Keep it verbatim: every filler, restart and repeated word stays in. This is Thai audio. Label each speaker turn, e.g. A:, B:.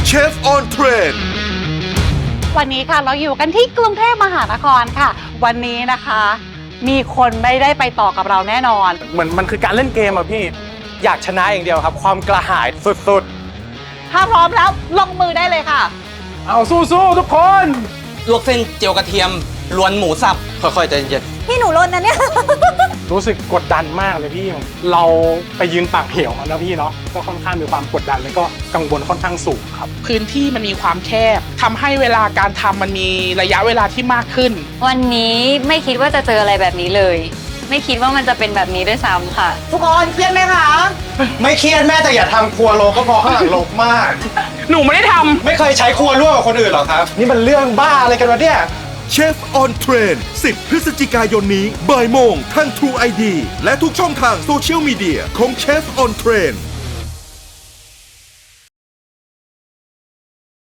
A: เชฟออนเทรน
B: วันนี้ค่ะเราอยู่กันที่กรุงเทพมหานครค่ะ วันนี้นะคะ มีคนไม่ได้ไปต่อกับเราแน่นอน
C: เหมือนมันคือการเล่นเกมอะพี่อยากชนะอย่างเดียวครับ ความกระหายสุด
B: ถ้าพร้อมแล้วลงมือได้เลยค่ะ
C: ๆ เอาสู้ๆทุกคน
D: ลวกเส้นเจียวกระเทียมล้วนหมูสับค่อยๆใจเย็น
E: พี่หนูลนนะเนี่ย
C: รู้สึกกดดันมากเลยพี่ เราไปยืนปากเหวนะพี่เนาะก็ค่อนข้างมีความกดดันแล้วก็กังวลค่อนข้างสูงครับ
F: พื้นที่มันมีความแคบทำให้เวลาการทำมันมีระยะเวลาที่มากขึ้น
E: วันนี้ไม่คิดว่าจะเจออะไรแบบนี้เลย ไม่คิดว่ามันจะเป็นแบบนี้ด้วยซ้ำค่ะ
B: ทุกคนเครียดไหมคะ
G: ไม่เครียดแม่แต่อย่าทำครัวโลก็พอข้างหลังโลกมาก
F: หนูไม่ได้ทำ
G: ไม่เคยใช้ครัวร่วมกับคนอื่นหรอครับ นี่มันเรื่องบ้าอะไรกันวะเนี่ย
A: เชฟออนเทรนสิบพฤศจิกายนนี้บ่ายโมงทาง True ไอ ดี และทุกช่องทางโซเชียลมีเดียของเชฟออนเทรน